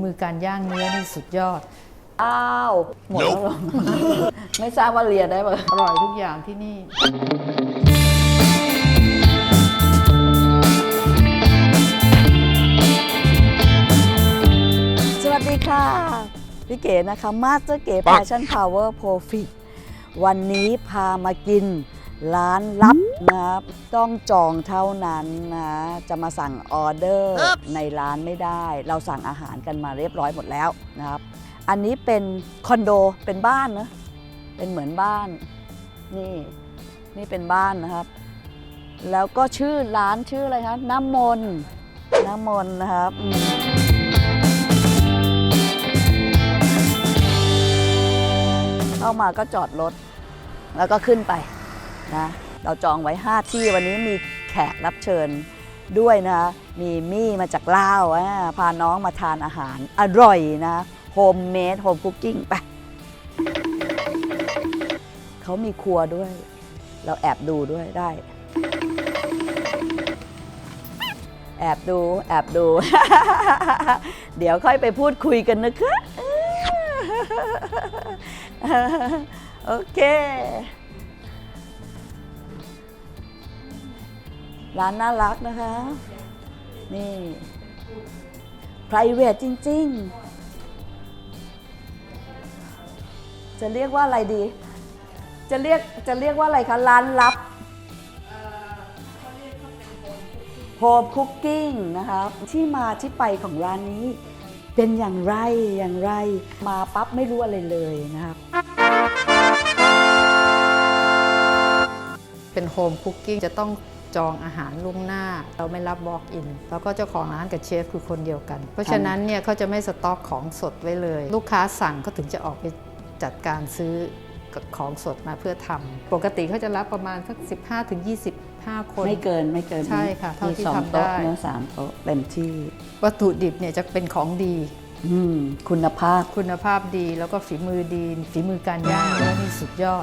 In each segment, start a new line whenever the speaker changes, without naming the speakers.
มือการย่างเนื้อนี่สุดยอด
อ้าวหมดแล้วเหรอ ไม่ทราบว่าเรียนได้ป่ะ
อร่อยทุกอย่างที่นี่
สวัสดีค่ะพี่เก๋นะคะมาสเตอร์เก๋ Passion Power Profit วันนี้พามากินร้านลับนะครับต้องจองเท่านั้นนะจะมาสั่งออเดอร์ในร้านไม่ได้เราสั่งอาหารกันมาเรียบร้อยหมดแล้วนะครับอันนี้เป็นคอนโดเป็นบ้านนะเป็นเหมือนบ้านนี่เป็นบ้านนะครับแล้วก็ชื่อร้านชื่ออะไรคะน้ำมนต์นะครับเข้ามาก็จอดรถแล้วก็ขึ้นไปนะเราจองไว้5ที่วันนี้มีแขกรับเชิญด้วยนะมีมี่มาจากลาวพาน้องมาทานอาหารอร่อยนะโฮมเมดโฮมคุกกิ้งไปเขามีครัวด้วยเราแอบดูด้วยได้แอบดู เดี๋ยวค่อยไปพูดคุยกันนะคะโอเคร้านน่ารักนะคะนี่ private จริงๆจะเรียกว่าอะไรดีจะเรียกว่าอะไรคะร้านลับโฮมคุกกิ้งนะคะที่มาที่ไปของร้านนี้เป็นอย่างไรมาปั๊บไม่รู้อะไรเลยนะครับ
เป็นโฮมคุกกิ้งจะต้องจองอาหารล่วงหน้าเราไม่รับ walk in แล้วก็เจ้าของร้านกับเชฟคือคนเดียวกันเพราะฉะนั้นเนี่ยเขาจะไม่สต็อกของสดไว้เลยลูกค้าสั่งเขาถึงจะออกไปจัดการซื้อของสดมาเพื่อทำปกติเขาจะรับประมาณสัก15-25 คน
ไม่เกิน
ใช่ค่ะเท่าที่ทำได้
เนื้อ3โต๊ะเต็มที่
วัตถุดิบเนี่ยจะเป็นของดี
คุณภาพ
ดีแล้วก็ฝีมือดีฝีมือการย่างเนื้อนี่สุดยอด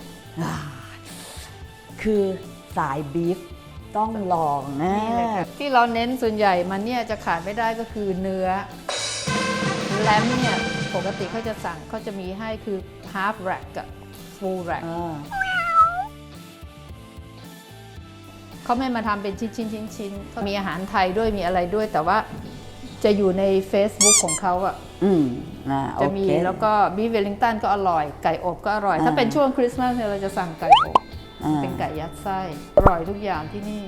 คือสายบีฟต้องลองนะ
ที่เราเน้นส่วนใหญ่มันเนี่ยจะขาดไม่ได้ก็คือเนื้อแลมเนี่ยปกติเขาจะสั่งเขาจะมีให้คือ half rack กับ full rack เขาไม่มาทำเป็นชิ้นเขามีอาหารไทยด้วยมีอะไรด้วยแต่ว่าจะอยู่ใน Facebook ของเขาอ่ะจะมีแล้วก็บีฟเวลลิงตันก็อร่อยไก่อบก็อร่อยถ้าเป็นช่วงคริสต์มาสเนี่ยเราจะสั่งไก่อบเป็นไก่ยัดไส้อร่อยทุกอย่างที่นี่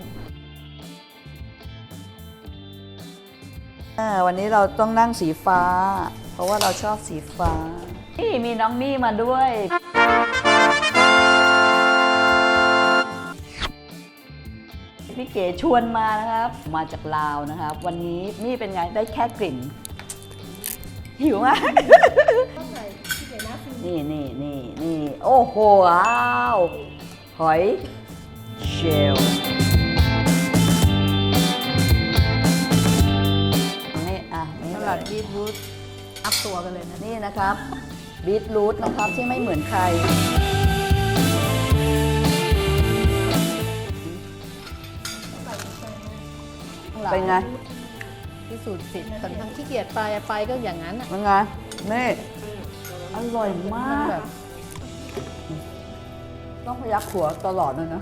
วันนี้เราต้องนั่งสีฟ้าเพราะว่าเราชอบสีฟ้านี่มีน้องมี่มาด้วยพี่เก๋ชวนมานะครับมาจากลาวนะครับวันนี้มี่เป็นไงได้แค่กลิ่นหิวมากนี่โอ้โหว้าวหอยเชลล์
สลัดบีทรูทอัพตัวกันเลยนะ
นี่นะครับบีทรูทนะครับที่ไม่เหมือนใครเป็นไง
พิสูจน์สิทธิ์คนทั้งขี้เกียจไปก็อย่างนั้น
เป็นไงนี่อร่อยมากต้องพยักหัวตลอดเลยนะ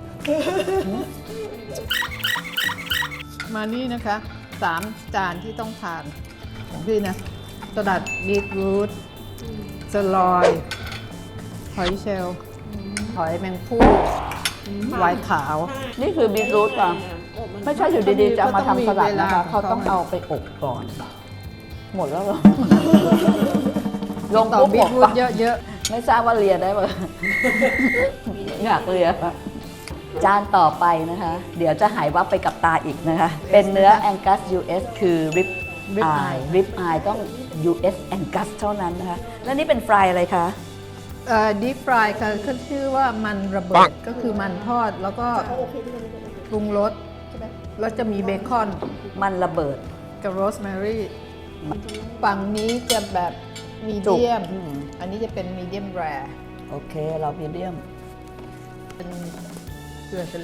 มานี่นะคะ3 จานที่ต้องทานของพี่นะสลัดบีทรูทสลอยหอยเชลล์หอยแมงผู้ไวน์ขาว
นี่คือบีทรูทป่ะไม่ใช่อยู่ดีๆจะมาทำสลัดนะคะเขาต้องเอาไปอบก่อนหมดแล้วเหรอลงปุ๊บ
บีทรูทเยอะ
ไม่ทราบว่าเรียนได้ป่ะอยากเรียนจานต่อไปนะคะเดี๋ยวจะหายวับไปกับตาอีกนะคะเป็นเนื้อ Angus US คือ Rib Eye ต้อง US Angus เท่านั้นนะคะแล้วนี่เป็นฟรายอะไรคะ
deep fry ค่ะเขาชื่อว่ามันระเบิดก็คือมันทอดแล้วก็ปรุงรสแล้วจะมีเบคอน
มันระเบิด
กับโรสแมรี่ฝั่งนี้จะแบบมีเดียมอันนี้จะเป็นมีเดียมแรร์
โอเคเรามีเดียม
เป็นเกลือทะเล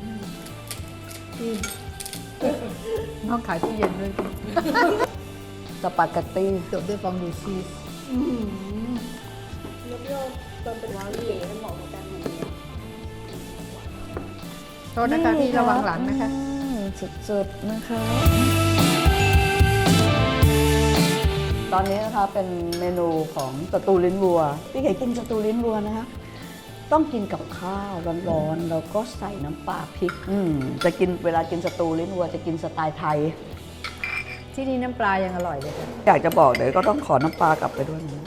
น้องขายตู้เย็นด้วย
สปาเกตตี้
จบด้วยฟองดูชีส
แล้วก็ตอนเป็นว้าวเก๋เหมาะกับการมันเนี่ย
โทษนะคะพี่ระวังหลังนะคะ
สดๆนะคะ ตอนนี้นะคะเป็นเมนูของสตูลิ้นวัวพี่เก๋กินสตูลิ้นวัวนะคะต้องกินกับข้าวร้อนๆแล้วก็ใส่น้ำปลาพริกจะกินเวลากินสตูลิ้นวัวจะกินสไตล์ไทย
ที่นี่น้ำปลายังอร่อยเลยค่ะ
อยากจะบอกเดี๋ยวก็ต้องขอน้ำปลากลับไปด้วยนะ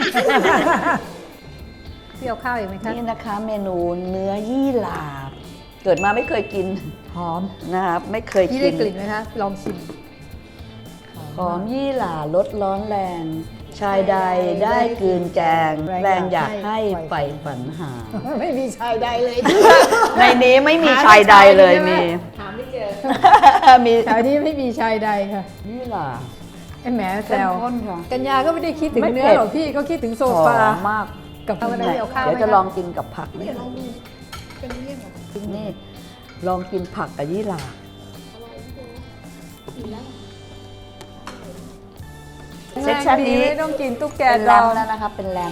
พี่เอาข้าวอีกไหมคะ
นี่นะคะเมนูเนื้อยี่หร่าเกิดมาไม่เคยกิน
หอม
นะครับไม่เคย
พี่
กิ
ได้
น
กลิ่นไหมคะลองชิม
หอมยี่หร่าลดร้อนแรง ชายใดได้กลืนแกง แรงอยากให้ไฟฝันหา
ไม่มีชายใดเลย
ในนี้ไม่มีชายใดเลยมี
หาไม่เจอ
มี
แถวนี้ไม่มีชายใดค่ะ
ยี่หร่า
ไอ้แหมแซ
เข้ม
ว
ข้นค่ะ
กัญญาก็ไม่ได้คิดถึง
ไม่
เนื้อ
เผ็ด
หรอกพี่ก็คิดถึงโซ
หอ
ฟาม
มาก
กับข้าวอะไรเอาข้าว
เดี๋ยว
ไหม
จะ
คะ
ลองกินกับผักนี่
ลองดูเป็นเรื่องของ
นี่ลองกินผักกับยี่หร่า
กินแล้ว
เซ็ตชันนี้
ไม่ต้องกินตุ๊กแก
เป็น
ด
แร
อ
ม
ง
แล้วนะคะเป็นแรม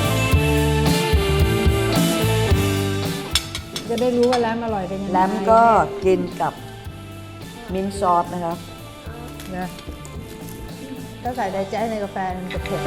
จะได้รู้ว่าแรมอร่อยเป็นยังไง
แรมก็กินกับมิ้นท์ซอสนะครับ
นะถ้าใส่ไดแจ๊สในกาแฟมันจะเผ็ด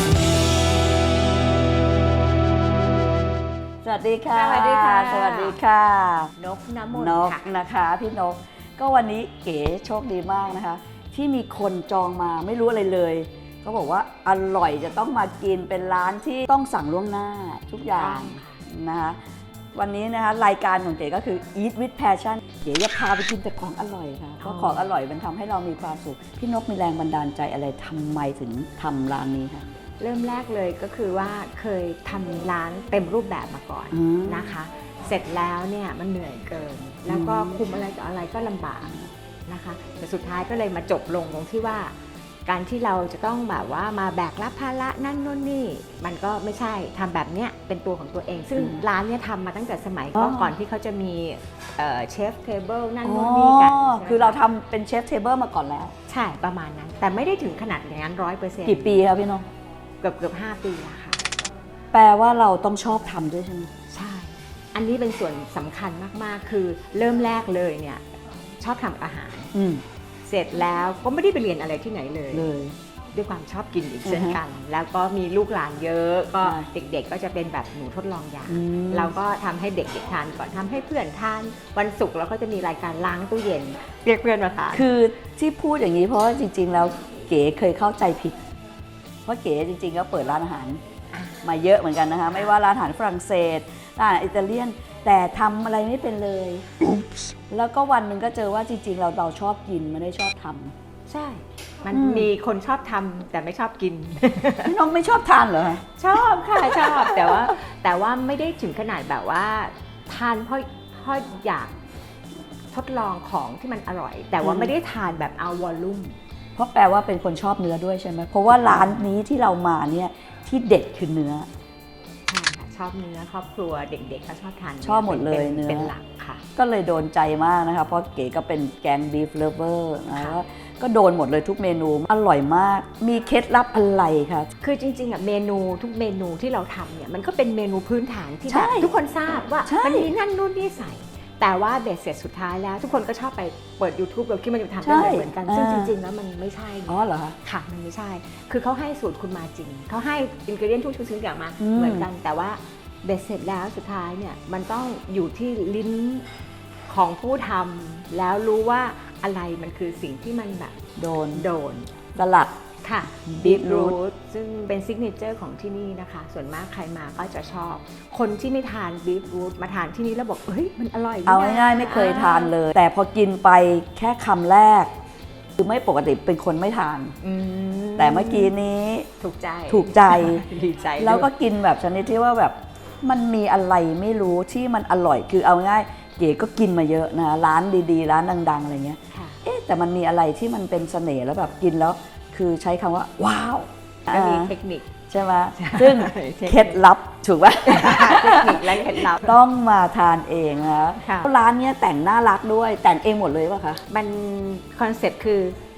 สวัสดีค่ะ
สวัสดีค่ะ
สวัสดีค่ะ
นกน้ำมน
น
ต์
ก
ค่ะ
นะคะพี่นก ก็วันนี้เก๋โชคดีมากนะคะ ที่มีคนจองมาไม่รู้อะไรเลยก็บอกว่าอร่อยจะต้องมากินเป็นร้านที่ต้องสั่งล่วงหน้าทุกอย่างนะคะวันนี้นะคะรายการของเก๋ก็คือ Eat with Passion เก๋จะพาไปกินแต่ของอร่อยค่ะเพราะของอร่อยมันทำให้เรามีความสุขพี่นกมีแรงบันดาลใจอะไรทำไมถึงทำร้านนี้คะ
เริ่มแรกเลยก็คือว่าเคยทำร้านเต็มรูปแบบมาก่อน
อืม
นะคะ เสร็จแล้วเนี่ยมันเหนื่อยเกิน แล้วก็คุมอะไรต่ออะไรก็ลำบากนะคะ แต่สุดท้ายก็เลยมาจบลงตรงที่ว่า การที่เราจะต้องแบบว่ามาแบกรับภาระนั่นนู่นนี่ มันก็ไม่ใช่ทำแบบเนี้ยเป็นตัวของตัวเอง ซึ่งร้านเนี่ยทำมาตั้งแต่สมัยก็ก่อนที่เขาจะมีเชฟเทเบิลนั่นนู่นนี่กัน
อ๋อ
ใช่ไหม
คือเราทำเป็นเชฟเทเบิลมาก่อนแล้ว
ใช่ประมาณนั้น แต่ไม่ได้ถึงขนาดอย่างนั้น100%
กี่ปีครับพี่นก
เกือบ5 ปีแล้วค่ะ
แปลว่าเราต้องชอบทำด้วยใช่ไหม
ใช่ อันนี้เป็นส่วนสำคัญมาก ๆ คือเริ่มแรกเลยเนี่ยชอบทำอาหาร
อืม
เสร็จแล้วก็ไม่ได้ไปเรียนอะไรที่ไหนเลย
เลย
ด้วยความชอบกินอีกเช่น
อือฮะ
กัน แล้วก็มีลูกหลานเยอะก็
ใช่
เด็กๆ ก็จะเป็นแบบหนูทดลองยา
อืม
เราก็ทำให้เด็กๆทานก่อนทำให้เพื่อนทานวันศุกร์เราก็จะมีรายการล้างตู้เย็นเรียกเพื่อนมาทาน
คือที่พูดอย่างนี้เพราะว่าจริง ๆ แล้วเก๋เคยเข้าใจผิด เพราะเก๋จริงๆก็เปิดร้านอาหารมาเยอะเหมือนกันนะคะ ไม่ว่าร้านอาหารฝรั่งเศสร้านอาหารอิตาเลียน แต่ทำอะไรไม่เป็นเลย แล้วก็วันหนึ่งก็เจอว่าจริง ๆ เราชอบกินไม่ได้ชอบทำ
ใช่ มัน
อืม
มีคนชอบทำแต่ไม่ชอบกิน
พี่น้องไม่ชอบทานเหรอคะ
ชอบค่ะชอบแต่ว่าไม่ได้ถึงขนาดแบบว่าทานเพราะอยากทดลองของที่มันอร่อย แต่ว่าไม่ได้ทานแบบเอาวอลลุ่ม
เพราะแปลว่าเป็นคนชอบเนื้อด้วยใช่ไหมเพราะว่าร้านนี้ที่เรามาเนี่ยที่เด็ดคือเนื้อ
ใช่ค่ะชอบเนื้อครอบครัวเด็กๆก็ชอบทาน
ชอบหมดเลยเนื้อ
เป็นหลักค่ะ
ก็เลยโดนใจมากนะคะ เพราะเก๋ก็เป็นแกงบีฟเลเวอร์นะ
ค่ะ
ก็โดนหมดเลยทุกเมนูอร่อยมาก มีเคล็ดลับอะไรคะ
คือจริงๆอ่ะเมนูทุกเมนูที่เราทำเนี่ยมันก็เป็นเมนูพื้นฐานที่
ใช่
แบบทุกคนทราบว่า
ใช่
มันมีนั่นนู่นนี่ใส่ แต่ว่าเบสเสร็จสุดท้ายแล้ว ทุกคนก็ชอบไปเปิด YouTube เราคิดมันจะทำได้เหมือนกัน ซึ่งจริงๆแล้วมันไม่ใช่
อ๋อเหรอคะ
ค่ะมันไม่ใช่ คือเขาให้สูตรคุณมาจริง เขาให้อินกรีเดียนทุกชิ้นอย่างมา
อืม
เหมือนกัน แต่ว่าเบสเสร็จแล้วสุดท้ายเนี่ยมันต้องอยู่ที่ลิ้นของผู้ทำแล้วรู้ว่าอะไรมันคือสิ่งที่มันแบบ
โดน
โดน
สลัด
ค่ะ
บีทรู
รู
ท
ทซึ่งเป็นซิกเนเจอร์ของที่นี่นะคะ ส่วนมากใครมาก็จะชอบ คนที่ไม่ทานบีทรูทมาทานที่นี่แล้วบอกเฮ้ยมันอร่อยนี่นะ
เอาง่ายๆไม่เคยทานเลย แต่พอกินไปแค่คำแรก คือไม่ปกติเป็นคนไม่ทาน
อืม
แต่เมื่อกี้นี้
ถูกใจ
ถูกใจ
ดีใจ
แล้วก็
ด้วย
กินแบบชนิดที่ว่าแบบมันมีอะไรไม่รู้ที่มันอร่อย คือเอาง่ายเก๋ก็กินมาเยอะนะร้านดีๆ ร้านดังๆอะไรเงี้ย
ค่ะ
เอ๊ะแต่มันมีอะไรที่มันเป็นเสน่ห์แล้วแบบกินแล้วคือใช้คำว่าว้าว
ก็มี
อ่า
เทคนิค
ใช่ไหมซึ่งเคล็ดลับถูกไหม
เทคนิคและเคล็ดลับ
ต้องมาทานเองนะ
ค่ะ
ร้านเนี้ยแต่งน่ารักด้วยแต่งเองหมดเลยป่ะคะ
มันคอนเซ็ปต์คือ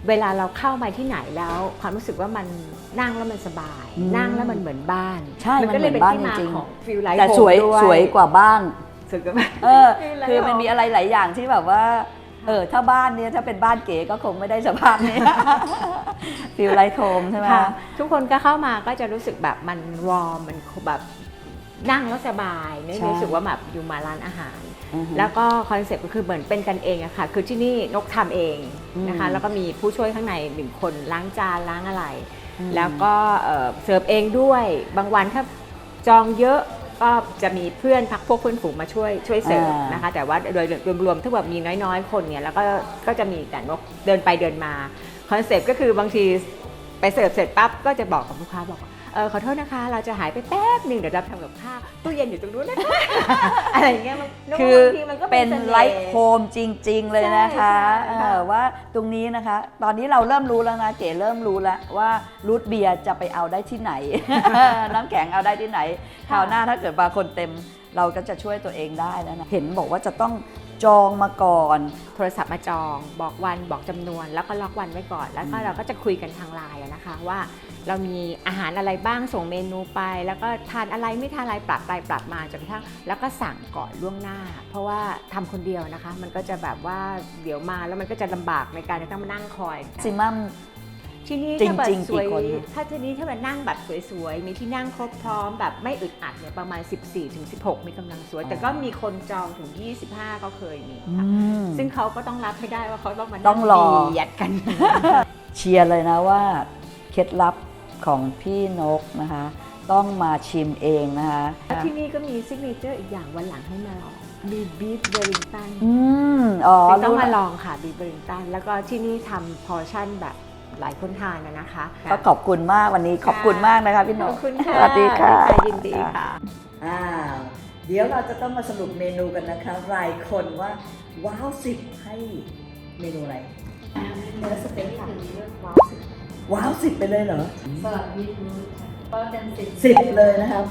เวลาเราเข้ามาที่ไหนแล้วความรู้สึกว่ามันนั่งแล้วมันสบาย นั่งแล้วมันเหมือนบ้าน
ใช่
ก็เลยเป็นที่
มันเหมือนบ้าน
มา
จริงๆ
ของฟิลไลท์
แต่
โฮ
สวย
มด้วย
สวยกว่าบ้าน
สวยกว่าบ้าน
คือมันมีอะไรหลายอย่างที่แบบว่าถ้าบ้านเนี่ยถ้าเป็นบ้านเก๋ก็คงไม่ได้สภาพนี้ ฟิลไลท์โฮมใช่ไหม
ค่ะทุกคนก็เข้ามาก็จะรู้สึกแบบมันวอร์มมันแบบนั่งแล้วสบายไม่รู้สึกว่าแบบอยู่มาร้านอาหาร แล้วก็คอนเซ็ปต์ก็คือเหมือนเป็นกันเองอะค่ะคือที่นี่นกทำเองนะคะแล้วก็มีผู้ช่วยข้างใน1 คนล้างจานล้างอะไร แล้วก็เสิร์ฟเองด้วยบางวันถ้าจองเยอะก็จะมีเพื่อนพักพวกเพื่อนฝูงมาช่วยเสิร์ฟนะคะแต่ว่าโดยรวมๆถ้าแบบมีน้อยๆคนเนี่ยแล้วก็จะมีแต่นกเดินไปเดินมาคอนเซ็ปต์ก็คือบางทีไปเสิร์ฟเสร็จปั๊บก็จะบอกกับลูกค้าบอกขอโทษนะคะเราจะหายไปแป๊บหนึ่งเดี๋ยวเราทำกับข้าวตู้เย็นอยู่ตรงนู้นนะคะ อะไรอย่างเงี้ย
คือบ
างทีมันก็
เป็น
สน่ห์
ไลท์โฮมจริงๆเลยนะคะ
ใช่ค่ะ
ว่าตรงนี้นะคะ ตอนนี้เราเริ่มรู้แล้วนะเก๋เริ่มรู้แล้วว่ารูทเบียร์จะไปเอาได้ที่ไหน น้ำแข็งเอาได้ที่ไหนคราวหน้าถ้าเกิดบางคนเต็มเราก็จะช่วยตัวเองได้แล้วนะเห็นบอกว่าจะต้องจองมาก่อน
โทรศัพท์มาจองบอกวันบอกจำนวนแล้วก็ล็อกวันไว้ก่อนแล้วก็เราก็จะคุยกันทางไลน์นะคะว่าเรามีอาหารอะไรบ้างส่งเมนูไป แล้วก็ทานอะไรไม่ทานอะไรปรับไปปรับมาจนกระทั่งแล้วก็สั่งก่อนล่วงหน้า เพราะว่าทำคนเดียวนะคะมันก็จะแบบว่าเดี๋ยวมาแล้วมันก็จะลำบากในการจะต้องมานั่งคอย
ซิมัม
ที่นี่
จริ
ถ้าง แบบ
ๆ
สวย
กี่คน
ถ้าที่นี่ถ้าแบบนั่งแบบสวยๆมีที่นั่งครบพร้อมแบบไม่อึดอัดเนี่ยประมาณ 14-16 มีกำลังสวย แต่ก็มีคนจองถึง 25 ก็เคยมีค่ะซึ่งเขาก็ต้องรับให้ได้ว่าเขาต้องมา
ต้
นั่
อง งรอ
เบียดกัน
เชียร์เลยนะว่าเคล็ดลับของพี่นกนะคะ ต้องมาชิมเองนะคะ
ที่นี่ก็มีซิกเนเจอร์อีกอย่างวันหลังให้มาลองมีบีฟเวลลิงตัน
อ๋อ
ต้องมาลองค่ะบีฟเวลลิงตันแล้วก็ที่นี่ทำพอร์ชั่นแบบหลายคนทานนะคะ
ก็ขอบคุณมากวันนี้ขอบคุณมากนะคะพี่น
ข
ก
อบคุณค่ะ
สวัสดีค่ะ
ยินดีค่ะ
เดี๋ยวเราจะต้องมาสรุปเมนูกันนะคะรายคนว่าว้าว10ให้เมนูอะไร
เนื้อสเต็กค่ะว้าว
ว้าว10ไปเลยเหรอ
สลัดบีทรูทค่ะก็เป็น
10เลยนะครับ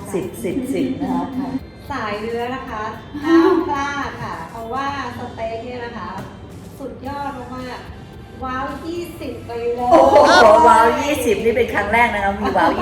10นะคะ
สายเนื้อนะคะห้ามพลาดค่ะ เพราะว่าสเต็กเนี่ยนะคะ สุดยอดมากๆว้าว 20 ไปเลย
โอ้โหว้าว20นี่เป็นครั้งแรกนะครับมีว้าว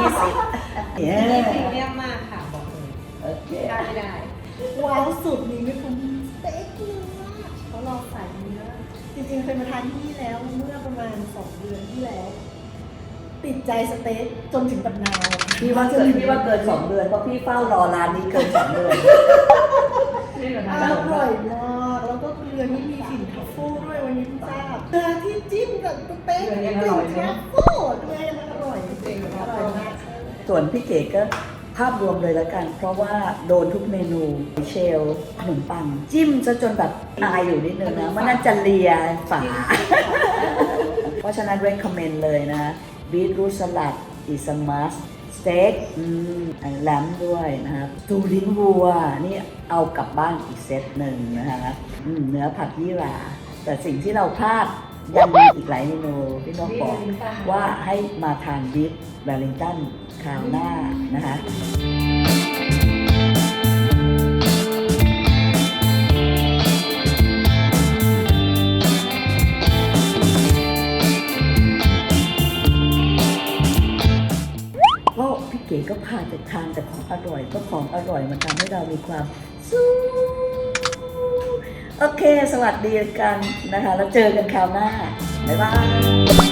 20เนี่ย
นี่พรีเมียมมากค่ะบอกเลย
โอเค
ได้ไม่ได้ ว้าวสุดนี้ไม่คุ้มสเต็กเนื้อเขาลองใส่เนื้อจริงๆเคยมาทานที่นี่แล้วเมื่อประมาณ 2 เดือนที่แล้ว ติดใจสเต็กจนถึงปัจจุบัน
พี่ว่าเกิน2 เดือนเพราะพี่เฝ้ารอร้านนี้เกิน2 เดือน
อร่อยมากแล้วก็เรือนี่มีกลิ่นทัฟเฟิลด้วยวันนี้เพิ่งทราบเรือที่จิ้มกับสเต็กมีกลิ่นทัฟเฟิลด้วยมันอร่อยจริงๆอร่อยมาก
ส่วนพี่เก๋ก็ภาพรวมเลยแล้วกัน เพราะว่าโดนทุกเมนูเชลขนมปัง จิ้มซะจนแบบอายอยู่นิดนึงนะมันน่าจะเลียฝา เพราะฉะนั้น recommend เลยนะบีทรูทสลัดอิสมัสสเต็กแลมด้วยนะครับตูลิ้นวัวนี่เอากลับบ้านอีกเซตหนึ่งนะคะเนื้อผัดยี่หร่าแต่สิ่งที่เราพลาดยังมีอีกหลายเมนูพี่น้องบอกว่าให้มาทานบีฟเวลลิงตันคราวหน้านะคะ ก็พี่เก๋ก็พาแต่ทานแต่ของอร่อยก็ของอร่อยมันทำให้เรามีความสู้โอเค สวัสดีกันนะคะแล้วเจอกันคราวหน้า บ๊ายบาย